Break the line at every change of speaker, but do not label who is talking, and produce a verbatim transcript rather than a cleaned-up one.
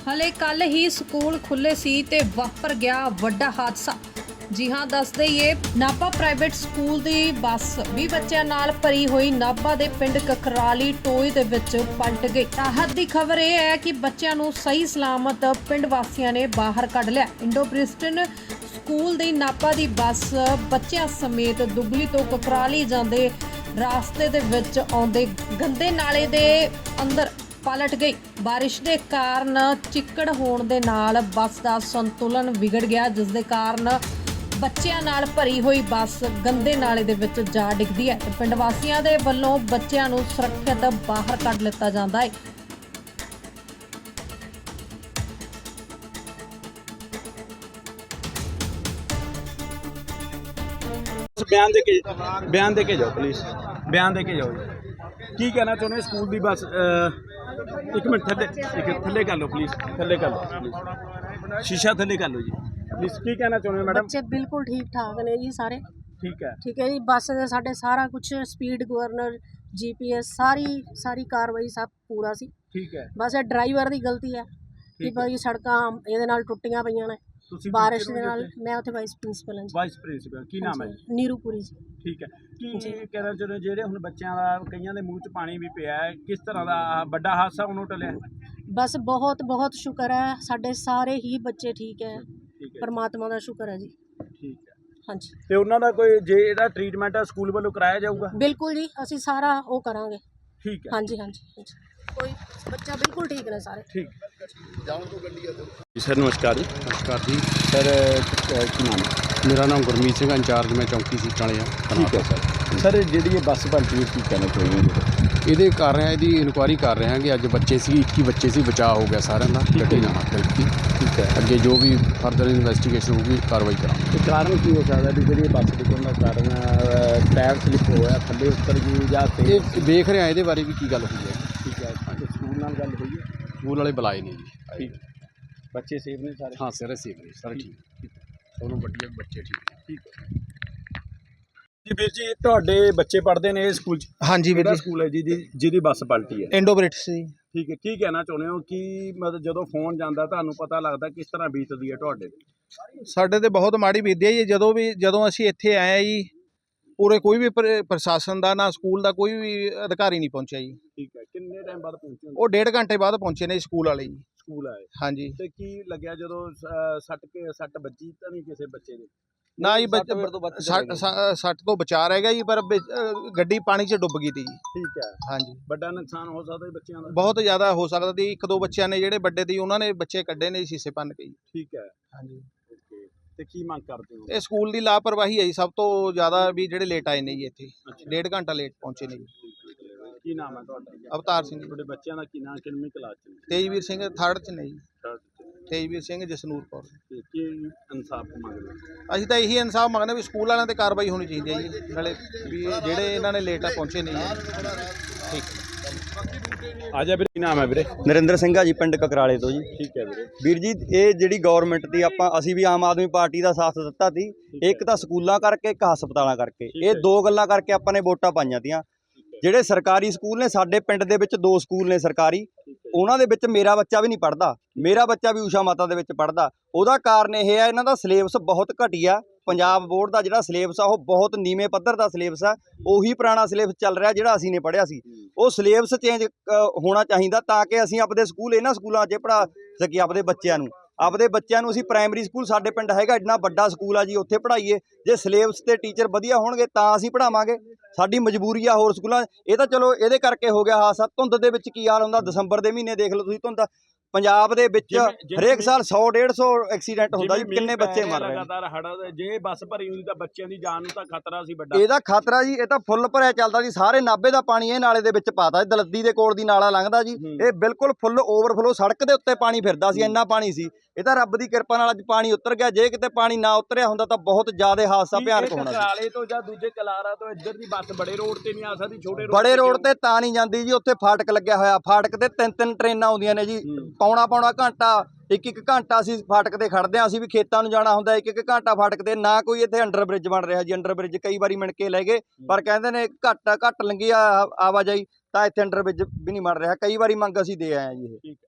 ਹਲੇ ਕੱਲ ਹੀ ਸਕੂਲ ਖੁੱਲੇ ਸੀ ਤੇ ਵਾਪਰ ਗਿਆ ਵੱਡਾ ਹਾਦਸਾ। ਜੀ ਹਾਂ, ਦੱਸ ਦਈਏ ਨਾਭਾ ਪ੍ਰਾਈਵੇਟ ਸਕੂਲ ਦੀ ਬੱਸ ਵੀਹ ਬੱਚਿਆਂ ਨਾਲ ਭਰੀ ਹੋਈ ਨਾਭਾ ਦੇ ਪਿੰਡ ਕਕਰਾਲੀ ਟੋਏ ਦੇ ਵਿੱਚ ਪਲਟ ਗਈ। ਰਾਹਤ ਦੀ ਖਬਰ ਇਹ ਹੈ ਕਿ ਬੱਚਿਆਂ ਨੂੰ ਸਹੀ ਸਲਾਮਤ ਪਿੰਡ ਵਾਸੀਆਂ ਨੇ ਬਾਹਰ ਕੱਢ ਲਿਆ। ਇੰਡੋ ਬ੍ਰਿਸਟਨ ਸਕੂਲ ਦੀ ਨਾਭਾ ਦੀ ਬੱਸ ਬੱਚਿਆਂ ਸਮੇਤ ਦੁਗਲੀ ਤੋਂ ਕਕਰਾਲੀ ਜਾਂਦੇ ਰਾਸਤੇ ਦੇ ਵਿੱਚ ਆਉਂਦੇ ਗੰਦੇ ਨਾਲੇ ਦੇ ਅੰਦਰ ਪਲਟ ਗਈ। ਬਾਰਿਸ਼ ਦੇ ਕਾਰਨ ਚਿੱਕੜ ਹੋਣ ਦੇ ਨਾਲ ਬੱਸ ਦਾ ਸੰਤੁਲਨ ਵਿਗੜ ਗਿਆ, ਜਿਸ ਦੇ ਕਾਰਨ ਬੱਚਿਆਂ ਨਾਲ ਭਰੀ ਹੋਈ ਬੱਸ ਗੰਦੇ ਨਾਲੇ ਦੇ ਵਿੱਚ ਜਾ ਡਿੱਗਦੀ ਹੈ। ਪਿੰਡ ਵਾਸੀਆਂ ਦੇ ਵੱਲੋਂ ਬੱਚਿਆਂ ਨੂੰ ਸੁਰੱਖਿਅਤ ਬਾਹਰ ਕੱਢ ਲਿੱਤਾ ਜਾਂਦਾ ਹੈ।
ਬਿਆਨ ਦੇ ਕੇ ਬਿਆਨ ਦੇ ਕੇ ਜਾਓ ਪਲੀਜ਼, ਬਿਆਨ ਦੇ ਕੇ ਜਾਓ ਜੀ। ਕੀ ਕਹਿਣਾ ਚਾਹੁੰਦੇ ਸਕੂਲ ਦੀ ਬੱਸ? ਇੱਕ ਮਿੰਟ ਥੱਲੇ ਇੱਕ ਥੱਲੇ ਕਰ ਲਓ ਪਲੀਜ਼, ਥੱਲੇ ਕਰ ਲਓ ਪਲੀਜ਼, ਸ਼ੀਸ਼ਾ ਥੱਲੇ ਕਰ ਲਓ ਜੀ ਪਲੀਜ਼। ਕੀ ਕਹਿਣਾ ਚਾਹੁੰਦੇ ਮੈਡਮ?
ਬੱਚੇ ਬਿਲकुल ठीक ठाक ने जी सारे।
ठीक है
ठीक है जी। बस दे साडे सारा कुछ स्पीड गवर्नर जीपीएस सारी सारी कार्रवाई सब पूरा सी।
ठीक है।
बस ਇਹ ਡਰਾਈਵਰ ਦੀ ਗਲਤੀ ਹੈ ਕਿ ਭਾਈ ਸੜਕਾਂ ਇਹਦੇ ਨਾਲ ਟੁੱਟੀਆਂ ਪਈਆਂ ਨੇ ਬਾਰਿਸ਼ ਦੇ ਨਾਲ। ਮੈਂ ਉੱਥੇ ਵਾਈਸ ਪ੍ਰਿੰਸੀਪਲ ਹਾਂ ਜੀ।
ਵਾਈਸ ਪ੍ਰਿੰਸੀਪਲ ਕੀ ਨਾਮ ਹੈ ਜੀ?
ਨੀਰੂਪੁਰੀ ਜੀ।
ਠੀਕ ਹੈ। ਕੀ ਕਹਿਣਾ ਚਾਹੁੰਦੇ ਜਿਹੜੇ ਹੁਣ ਬੱਚਿਆਂ ਦਾ ਕਈਆਂ ਦੇ ਮੂੰਹ 'ਚ ਪਾਣੀ ਵੀ ਪਿਆ ਹੈ, ਕਿਸ ਤਰ੍ਹਾਂ ਦਾ ਵੱਡਾ ਹਾਦਸਾ ਉਹਨੂੰ ਟਲਿਆ?
ਬਸ ਬਹੁਤ ਬਹੁਤ ਸ਼ੁਕਰ ਹੈ, ਸਾਡੇ ਸਾਰੇ ਹੀ ਬੱਚੇ ਠੀਕ ਹੈ,
ਠੀਕ ਹੈ,
ਪਰਮਾਤਮਾ ਦਾ ਸ਼ੁਕਰ ਹੈ ਜੀ।
ਠੀਕ ਹੈ।
ਹਾਂਜੀ,
ਤੇ ਉਹਨਾਂ ਦਾ ਕੋਈ ਜੇ ਇਹਦਾ ਟ੍ਰੀਟਮੈਂਟ ਸਕੂਲ ਵੱਲੋਂ ਕਰਾਇਆ ਜਾਊਗਾ?
ਬਿਲਕੁਲ ਜੀ, ਅਸੀਂ ਸਾਰਾ ਉਹ ਕਰਾਂਗੇ।
ਠੀਕ ਹੈ।
ਹਾਂਜੀ ਹਾਂਜੀ ਹਾਂਜੀ, ਕੋਈ ਬੱਚਾ ਬਿਲकुल ਠੀਕ ਨੇ ਸਾਰੇ।
ਠੀਕ सर नमस्कार जी।
नमस्कार जी।
सर की नाम है?
मेरा नाम गुरमीत सिंह, इंचार्ज मैं चौंकी सीट वाले हाँ।
ठीक है सर। सर जी बस भर्ती की कहना चाहिए?
ये कर रहे हैं जी, इनकुआरी कर रहे हैं कि अज बच्चे से इक्की बच्चे से बचाव हो गया सारे का, गड्डी ना हाथ की।
ठीक है।
अगे जो भी फर्दर इन्वेस्टिगेशन होगी कार्रवाई करा।
कारण की हो सकता है भी जी बस डिगन का कारण टायर स्लिप होया थले उतर गई या
ये देख रहे हैं ये बारे भी की गल हुई है।
ठीक है। स्कूल नाल गल हुई है?
स्कूल वाले बुलाए नहीं जी।
ठीक। बच्चे सेफ ने सारे?
हाँ सारे सेफ ने सारे ठीक। दोनों बड़िया बच्चे ठीक।
ठीक है जी। ਵੀਰ ਜੀ ਤੁਹਾਡੇ ਬੱਚੇ ਪੜ੍ਹਦੇ ਨੇ ਇਸ ਸਕੂਲ 'ਚ?
ਹਾਂਜੀ ਵੀਰ ਜੀ।
ਸਕੂਲ ਹੈ ਜੀ ਜਿਹਦੀ ਬੱਸ ਪਲਟੀ ਹੈ?
ਇੰਡੋ ਬ੍ਰਿਟਸ ਜੀ।
ਠੀਕ ਹੈ। ਕੀ ਕਹਿਣਾ ਚਾਹੁੰਦੇ ਹੋ ਕਿ ਮਤਲਬ ਜਦੋਂ ਫੋਨ ਜਾਂਦਾ ਤੁਹਾਨੂੰ ਪਤਾ ਲੱਗਦਾ ਕਿਸ ਤਰ੍ਹਾਂ ਬੀਤਦੀ ਹੈ ਤੁਹਾਡੇ?
ਸਾਡੇ ਤੇ ਬਹੁਤ ਮਾੜੀ ਬੀਤੀ ਹੈ ਜੀ। ਜਦੋਂ ਵੀ ਜਦੋਂ ਅਸੀਂ ਇੱਥੇ ਆਏ ਜੀ, ਪੂਰੇ ਕੋਈ ਵੀ ਪ੍ਰ- ਪ੍ਰਸ਼ਾਸਨ ਦਾ ਨਾ ਸਕੂਲ ਦਾ ਕੋਈ ਵੀ ਅਧਿਕਾਰੀ ਨਹੀਂ ਪਹੁੰਚਿਆ ਜੀ।
ਠੀਕ ਹੈ। ਕਿੰਨੇ ਟਾਈਮ ਬਾਅਦ ਪਹੁੰਚੇ?
ਉਹ ਡੇਢ ਘੰਟੇ ਬਾਅਦ ਪਹੁੰਚੇ ਨੇ ਸਕੂਲ ਵਾਲੇ ਜੀ।
ਸਕੂਲ ਆਏ
ਹਾਂਜੀ।
ਤੇ ਕੀ ਲੱਗਿਆ ਜਦੋਂ ਅਹ, ਸੱਟ ਕੇ ਸੱਟ ਵੱਜੀ ਤਾਂ ਨਹੀਂ ਕਿਸੇ ਬੱਚੇ ਦੇ?
ਨਾ ਜੀ,
ਸੱਟ ਮੇਰੇ ਤੋਂ ਬਚ
ਸੱਟ ਸੱਟ- ਸੱਟ ਤੋਂ ਬਚਾ ਰਹਿ ਗਿਆ ਜੀ, ਪਰ ਵਿੱਚ, ਅ, ਗੱਡੀ ਪਾਣੀ 'ਚ ਡੁੱਬ ਗਈ ਤੀ ਜੀ।
ਠੀਕ ਹੈ।
ਹਾਂਜੀ,
ਵੱਡਾ ਨੁਕਸਾਨ ਹੋ ਸਕਦਾ ਜੀ ਬੱਚਿਆਂ ਦਾ?
ਬਹੁਤ ਜ਼ਿਆਦਾ ਹੋ ਸਕਦਾ ਸੀ। ਇੱਕ ਦੋ ਬੱਚਿਆਂ ਨੇ ਜਿਹੜੇ ਵੱਡੇ ਸੀ ਉਹਨਾਂ ਨੇ ਬੱਚੇ ਕੱਢੇ ਨੇ ਸ਼ੀਸ਼ੇ ਭੰਨ ਕੇ ਜੀ।
ਠੀਕ ਹੈ।
ਹਾਂਜੀ।
ਓਕੇ। ਤੇ ਕੀ ਮੰਗ ਕਰਦੇ ਹੋ?
ਇਹ ਸਕੂਲ ਦੀ ਲਾਪਰਵਾਹੀ ਹੈ ਜੀ ਸਭ ਤੋਂ ਜ਼ਿਆਦਾ, ਵੀ ਜਿਹੜੇ ਲੇਟ ਆਏ ਨੇ ਜੀ ਇੱਥੇ।
ਅੱਛਾ।
ਡੇਢ ਘੰਟਾ ਲੇਟ ਪਹੁੰਚੇ ਨੇ ਜੀ।
ਕੀ ਨਾਮ ਹੈ ਤੁਹਾਡਾ?
ਅਵਤਾਰ ਸਿੰਘ ਜੀ।
ਤੁਹਾਡੇ ਬੱਚਿਆਂ ਦਾ ਕੀ ਨਾਮ, ਕਿੰਨੀ ਕਲਾਸ 'ਚ ਨੇ?
ਤੇਜਵੀਰ ਸਿੰਘ ਥਰਡ 'ਚ ਨੇ ਜੀ।
Third 'ਚ।
ਤੇਜਵੀਰ ਸਿੰਘ, ਜਸਨੂਰ ਕੌਰ।
ਤੇ ਕੀ ਇਨਸਾਫ ਮੰਗਦੇ ਹੋ?
ਅਸੀਂ ਤਾਂ ਇਹੀ ਇਨਸਾਫ ਮੰਗਦੇ ਵੀ ਸਕੂਲ ਵਾਲਿਆਂ ਤੇ ਕਾਰਵਾਈ ਹੋਣੀ ਚਾਹੀਦੀ ਹੈ ਜੀ, ਨਾਲੇ ਵੀ ਇਹ ਜਿਹੜੇ ਇਹਨਾਂ ਨੇ ਲੇਟ ਪਹੁੰਚੇ ਨਹੀਂ ਹੈ। ਠੀਕ।
ਆ ਜਾ ਵੀਰੇ। ਕੀ ਨਾਮ ਹੈ ਵੀਰੇ?
ਨਰਿੰਦਰ ਸਿੰਘ ਆ ਜੀ, ਪਿੰਡ ਕਕਰਾਲੇ ਤੋਂ ਜੀ।
ਠੀਕ ਹੈ ਵੀਰੇ।
ਵੀਰ ਜੀ ਇਹ ਜਿਹੜੀ ਗਵਰਨਮੈਂਟ ਦੀ ਆਪਾਂ ਅਸੀਂ ਵੀ ਆਮ ਆਦਮੀ ਪਾਰਟੀ ਦਾ ਸਾਥ ਦਿੱਤਾ ਸੀ। ਇੱਕ ਤਾਂ ਸਕੂਲਾਂ ਕਰਕੇ, ਇੱਕ ਹਸਪਤਾਲਾਂ ਕਰਕੇ। ਇਹ ਦੋ ਗੱਲਾਂ ਕਰਕੇ ਆਪਾਂ ਨੇ ਵੋਟਾਂ ਪਾਈਆਂ ਤੀਆਂ। ਜਿਹੜੇ ਸਰਕਾਰੀ ਸਕੂਲ ਨੇ ਸਾਡੇ ਪਿੰਡ ਦੇ ਵਿੱਚ ਦੋ ਸਕੂਲ ਨੇ ਸਰਕਾਰੀ, ਉਹਨਾਂ ਦੇ ਵਿੱਚ ਮੇਰਾ ਬੱਚਾ ਵੀ ਨਹੀਂ ਪੜ੍ਹਦਾ। ਮੇਰਾ ਬੱਚਾ ਵੀ ਊਸ਼ਾ ਮਾਤਾ ਦੇ ਵਿੱਚ ਪੜ੍ਹਦਾ। ਉਹਦਾ ਕਾਰਨ ਇਹ ਹੈ ਇਹਨਾਂ ਦਾ ਸਿਲੇਬਸ ਬਹੁਤ ਘਟੀਆ। ਪੰਜਾਬ ਬੋਰਡ ਦਾ ਜਿਹੜਾ ਸਿਲੇਬਸ ਆ ਉਹ ਬਹੁਤ ਨੀਵੇਂ ਪੱਧਰ ਦਾ ਸਿਲੇਬਸ ਆ। ਉਹੀ ਪੁਰਾਣਾ ਸਿਲੇਬਸ ਚੱਲ ਰਿਹਾ ਜਿਹੜਾ ਅਸੀਂ ਨੇ ਪੜ੍ਹਿਆ ਸੀ। ਉਹ ਸਿਲੇਬਸ ਚੇਂਜ ਹੋਣਾ ਚਾਹੀਦਾ ਤਾਂ ਕਿ ਅਸੀਂ ਆਪਦੇ ਸਕੂਲ ਇਹਨਾਂ ਸਕੂਲਾਂ 'ਚ ਪੜ੍ਹਾ ਸਕੀਏ ਆਪਦੇ ਬੱਚਿਆਂ ਨੂੰ। ਆਪਦੇ ਬੱਚਿਆਂ ਨੂੰ ਅਸੀਂ ਪ੍ਰਾਇਮਰੀ ਸਕੂਲ, ਸਾਡੇ ਪਿੰਡ ਹੈਗਾ ਇੰਨਾ ਵੱਡਾ ਸਕੂਲ ਆ ਜੀ, ਉੱਥੇ ਪੜ੍ਹਾਈਏ। ਜੇ ਸਿਲੇਬਸ ਤੇ ਟੀਚਰ ਵਧੀਆ ਹੋਣਗੇ ਤਾਂ ਅਸੀਂ ਪੜ੍ਹਾਵਾਂਗੇ। ਸਾਡੀ ਮਜਬੂਰੀ ਆ ਹੋਰ ਸਕੂਲਾਂ। ਇਹ ਤਾਂ ਚਲੋ ਇਹਦੇ ਕਰਕੇ ਹੋ ਗਿਆ ਹਾਦਸਾ। ਧੁੰਦ ਦੇ ਵਿੱਚ ਕੀ ਹਾਲ ਹੁੰਦਾ, ਦਸੰਬਰ ਦੇ ਮਹੀਨੇ ਦੇਖ ਲਓ ਤੁਸੀਂ ਧੁੰਦ। ਪੰਜਾਬ ਦੇ ਵਿੱਚ ਹਰੇਕ ਸਾਲ ਸੌ ਡੇਢ ਸੌ ਐਕਸੀਡੈਂਟ ਹੁੰਦਾ ਜੀ, ਕਿੰਨੇ ਬੱਚੇ ਮਰ ਰਹੇ ਨੇ।
ਲਗਾਤਾਰ ਹੜ੍ਹ, ਜੇ ਬੱਸ ਭਰੀ ਹੁੰਦੀ ਤਾਂ ਬੱਚਿਆਂ ਦੀ ਜਾਨ ਨੂੰ ਤਾਂ ਖਤਰਾ ਸੀ ਵੱਡਾ।
ਇਹਦਾ ਖਤਰਾ ਜੀ, ਇਹ ਤਾਂ ਫੁੱਲ ਭਰਿਆ ਚੱਲਦਾ ਜੀ। ਸਾਰੇ ਨਾਭੇ ਦਾ ਪਾਣੀ ਇਹ ਨਾਲੇ ਦੇ ਵਿੱਚ ਪਾਤਾ। ਦਲੱਦੀ ਦੇ ਕੋਲ ਦੀ ਨਾਲਾ ਲੰਘਦਾ ਜੀ, ਇਹ ਬਿਲਕੁਲ ਫੁੱਲ ਓਵਰਫਲੋ, ਸੜਕ ਦੇ ਉੱਤੇ ਪਾਣੀ ਫਿਰਦਾ ਸੀ, ਇੰਨਾ ਪਾਣੀ ਸੀ। ਇਹ ਤਾਂ ਰੱਬ ਦੀ ਕਿਰਪਾ ਨਾਲ ਅੱਜ ਪਾਣੀ ਉਤਰ ਗਿਆ। ਜੇ ਕਿਤੇ ਪਾਣੀ ਨਾ ਉਤਰਿਆ ਹੁੰਦਾ ਤਾਂ ਬਹੁਤ ਜ਼ਿਆਦਾ ਹਾਦਸਾ ਭਿਆਨਕ ਹੋਣਾ ਸੀ।
ਕਕਰਾਲੇ ਤੋਂ ਜਾਂ ਦੂਜੇ ਕਲਾਰਾ ਤੋਂ ਇੱਧਰ ਦੀ ਬੱਸ ਬੜੇ ਰੋਡ ਤੇ ਨਹੀਂ ਆ ਸਕਦੀ, ਛੋਟੇ ਰੋਡ
ਬੜੇ ਰੋਡ ਤੇ ਤਾਂ ਨਹੀਂ ਜਾਂਦੀ ਜੀ, ਉੱਥੇ ਫਾਟਕ ਲੱਗਿਆ ਹੋਇਆ। ਫਾਟਕ ਤੇ ਤਿੰਨ ਤਿੰਨ ਟ੍ਰੇਨਾਂ ਆਉਂਦੀਆਂ ਨੇ ਜੀ। ਪੌਣਾ ਪੌਣਾ ਘੰਟਾ, ਇੱਕ ਇੱਕ ਘੰਟਾ ਅਸੀਂ ਫਾਟਕ ਤੇ ਖੜਦੇ ਹਾਂ। ਅਸੀਂ ਵੀ ਖੇਤਾਂ ਨੂੰ ਜਾਣਾ ਹੁੰਦਾ, ਇੱਕ ਇੱਕ ਘੰਟਾ ਫਾਟਕ ਤੇ। ਨਾ ਕੋਈ ਇੱਥੇ ਅੰਡਰ ਬ੍ਰਿਜ ਬਣ ਰਿਹਾ ਜੀ। ਅੰਡਰ ਬ੍ਰਿਜ ਕਈ ਵਾਰੀ ਮਿਣ ਕੇ ਲੈ ਗਏ, ਪਰ ਕਹਿੰਦੇ ਨੇ ਘੱਟ ਘੱਟ ਲੰਗੀ ਆਵਾਜਾਈ, ਤਾਂ ਇੱਥੇ ਅੰਡਰ ਬ੍ਰਿਜ ਵੀ ਨਹੀਂ ਬਣ ਰਿਹਾ। ਕਈ ਵਾਰੀ ਮੰਗ ਅਸੀਂ ਦੇ ਆਏ ਹਾਂ ਜੀ ਇਹ।